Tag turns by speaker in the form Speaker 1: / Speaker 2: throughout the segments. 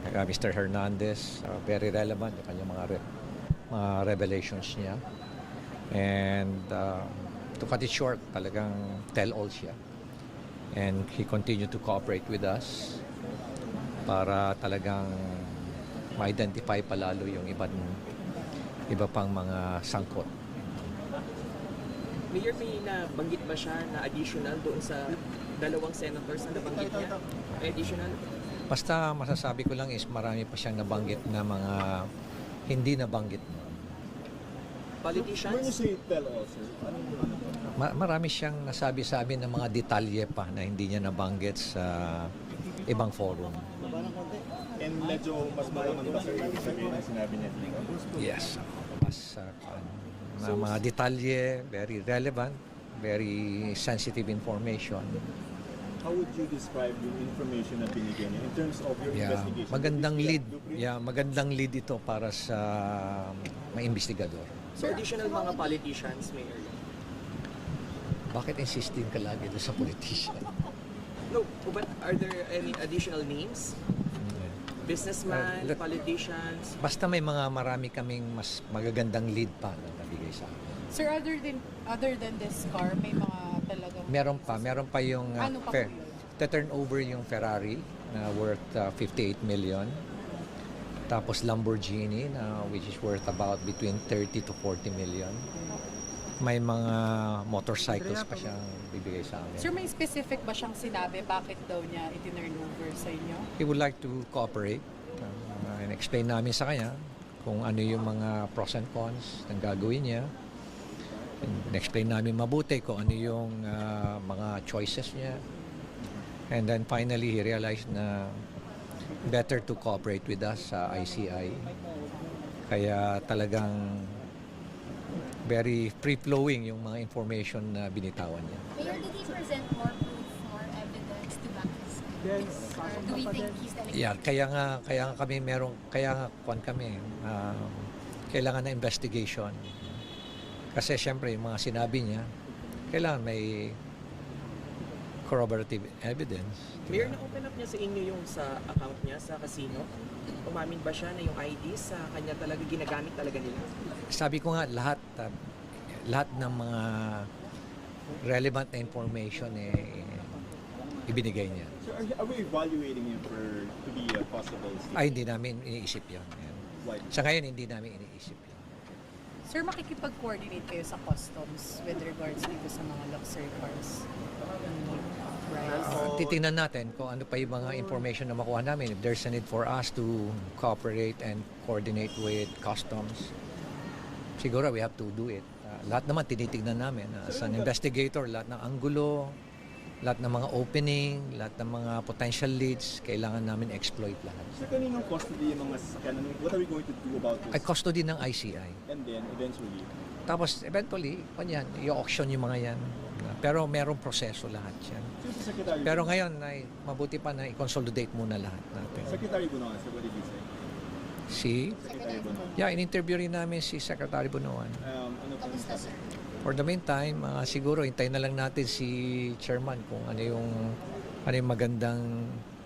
Speaker 1: Mr. Hernandez, very relevant yung kanyang mga revelations niya. And to cut it short, talagang tell-all siya. And he continued to cooperate with us para talagang ma-identify palalo yung iba pang mga sangkot.
Speaker 2: Mayor, may nabanggit ba siya na additional doon sa dalawang senators na nabanggit niya? Additional?
Speaker 1: Basta masasabi ko lang is marami pa siyang nabanggit na mga hindi nabanggit.
Speaker 2: Politicians?
Speaker 3: When you say tell all, sir,
Speaker 1: Marami siyang nasabi sa amin ng mga detalye pa na hindi niya nabanggit sa ibang forum.
Speaker 3: and medyo mas malaman pa sir ibig sabihin ang sinabi niya dito?
Speaker 1: Yes. Mas na mga detalye, very relevant, very sensitive information.
Speaker 3: How would you describe yung information na binigyan niya in terms of your investigation?
Speaker 1: Magandang lead. Magandang lead ito para sa mga investigador.
Speaker 2: So additional mga politicians, Mayor?
Speaker 1: Bakit insisting ka lagi doon sa politician?
Speaker 2: No, but are there any additional names? Businessman, politicians?
Speaker 1: Basta may marami kaming mas magagandang lead pa na nabigay sa akin.
Speaker 4: Sir, other than this car, may mga talagang...
Speaker 1: Meron pa yung
Speaker 4: Ano pa po yun?
Speaker 1: turn over yung Ferrari na worth 58 million. Tapos Lamborghini na which is worth about between 30 to 40 million. May mga motorcycles pa siyang bibigay sa amin.
Speaker 4: Sir, may specific ba siyang sinabi bakit daw niya itinurn over sa inyo?
Speaker 1: He would like to cooperate and explain namin sa kanya kung ano yung mga pros and cons ng gagawin niya. And explain namin mabuti kung ano yung mga choices niya. And then finally, he realized na better to cooperate with us sa ICI. Kaya talagang very free-flowing yung mga information na binitawan niya.
Speaker 5: Mayor, did he present more proof, more evidence to back his claims? Or do we think he's telling
Speaker 1: Yeah, kaya nga kami kailangan na investigation. Kasi syempre yung mga sinabi niya, kailangan may corroborative evidence.
Speaker 2: Mayor, na-open up niya sa inyo yung sa account niya sa casino? Umamin ba siya na yung ID sa kanya talaga ginagamit talaga nila?
Speaker 1: Sabi ko nga lahat ng mga relevant na information ibinigay niya.
Speaker 3: So are we evaluating him to be a possible state?
Speaker 1: Ay, hindi namin iniisip yun.
Speaker 3: Why?
Speaker 1: Sa ngayon, hindi namin iniisip yun.
Speaker 4: Sir, makikipag-coordinate kayo sa customs with regards dito sa mga luxury cars? Right.
Speaker 1: Titingnan natin kung ano pa yung mga information na makuha namin. If there's a need for us to cooperate and coordinate with customs, siguro we have to do it. Lahat naman tinitignan namin. As an investigator, lahat ng anggulo, lahat ng mga opening, lahat ng mga potential leads, kailangan namin exploit lahat.
Speaker 3: So kaninong custody yung mga sasakyan? What are we going to do about this?
Speaker 1: Ay custody ng ICI.
Speaker 3: And then eventually,
Speaker 1: Tapos eventually, i-auction yung mga yan. Pero merong proseso lahat yan.
Speaker 3: so si Secretary
Speaker 1: Pero ngayon, ay mabuti pa na i-consolidate muna lahat natin.
Speaker 3: Secretary Bunoan, sir, what did he say? Secretary Bunoan.
Speaker 1: In-interview rin namin si Secretary Bunuan.
Speaker 3: Ano po yung sabi?
Speaker 1: For the meantime, siguro hintayin na lang natin si Chairman kung ano yung magandang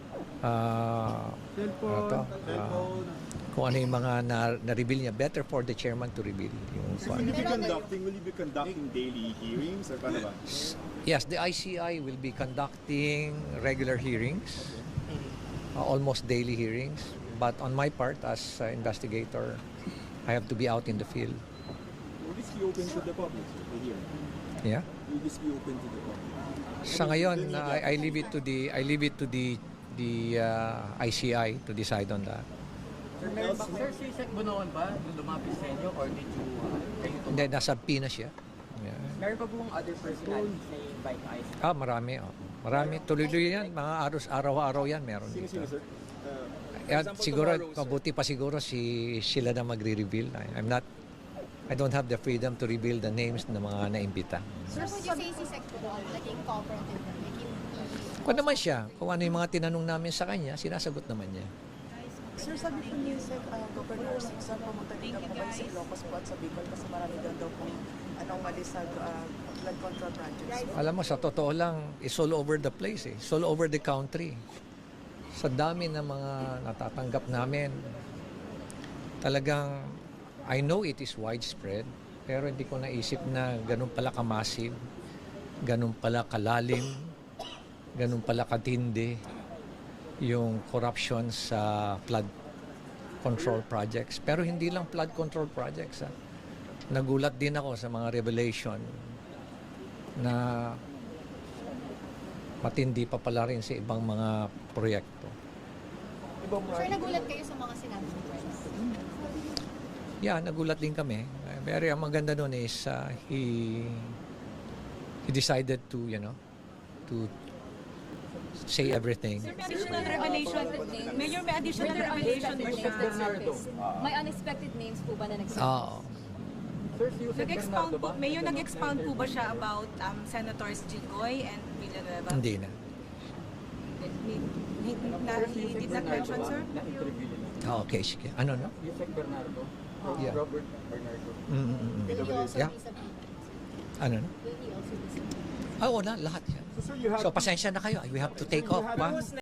Speaker 1: kung ano yung mga na-reveal niya. Better for the Chairman to reveal yung
Speaker 3: So will you be conducting daily hearings or paano ba?
Speaker 1: Yes, the ICI will be conducting regular hearings, almost daily hearings. But on my part, as investigator, I have to be out in the field.
Speaker 3: Will this be open to the public, sir, the hearing?
Speaker 1: Yeah.
Speaker 3: Will this be open to the public?
Speaker 1: Sa ngayon, I leave it to the ICI to decide on that.
Speaker 6: Sir, si Sec Bunoan ba nung lumapit sa inyo or did you kayo to?
Speaker 1: Hindi, nasa Pinas siya. Yeah.
Speaker 2: Meron pa pong other personalities na invite ICI?
Speaker 1: Marami. Marami. Tuloy-tuloy yan. Mga araw-araw yan meron
Speaker 3: Sino,
Speaker 1: dito.
Speaker 3: sir?
Speaker 1: Siguro, mabuti pa siguro sila na magre-reveal. I don't have the freedom to reveal the names ng mga naimbita.
Speaker 5: Sir, would you say si Sec Budol naging cooperative na?
Speaker 1: Kung naman siya, kung ano yung mga tinanong namin sa kanya, sinasagot naman niya.
Speaker 7: Sir, sabi po niyo sa Governor Sixon, pumunta dito po kayo sa Ilocos po at sa Bicol kasi marami daw po anomaly sa blood control projects.
Speaker 1: Alam mo, sa totoo lang, it's all over the place. It's all over the country. sa dami ng mga natatanggap namin, talagang I know it is widespread, pero hindi ko naisip na ganun pala ka-massive, ganun pala kalalim, ganun pala katindi yung corruption sa flood control projects. Pero hindi lang flood control projects. Nagulat din ako sa mga revelation na matindi pa pala rin sa ibang mga proyekto.
Speaker 5: Sir, nagulat kayo sa mga sinabi ni Prince?
Speaker 1: Yeah, nagulat din kami. Pero ang maganda doon is he decided to, to say everything.
Speaker 8: Additional revelation. Mayor, may additional revelation ba siya?
Speaker 4: May unexpected names po ba na nagsabi?
Speaker 1: Oo.
Speaker 6: Sir, si Yusek
Speaker 8: Nag-expound
Speaker 6: Bernardo
Speaker 8: po,
Speaker 6: ba?
Speaker 8: Mayor, nag-expound po ba siya about Senators Jinggoy and Villanueva?
Speaker 1: Hindi na.
Speaker 8: He did not mention, sir?
Speaker 6: Na-interview nila.
Speaker 1: Okay, sige. Ano, no?
Speaker 6: Yusek Bernardo.
Speaker 1: Yeah.
Speaker 6: Robert Bernardo.
Speaker 5: Will he also
Speaker 1: Yeah.
Speaker 5: be subpoenaed?
Speaker 1: Ano, no?
Speaker 5: Will he also be subpoenaed?
Speaker 1: Oo na, lahat yan.
Speaker 3: So, sir, you have
Speaker 1: So, pasensya na kayo. We have to take off.
Speaker 3: have-
Speaker 1: Pa?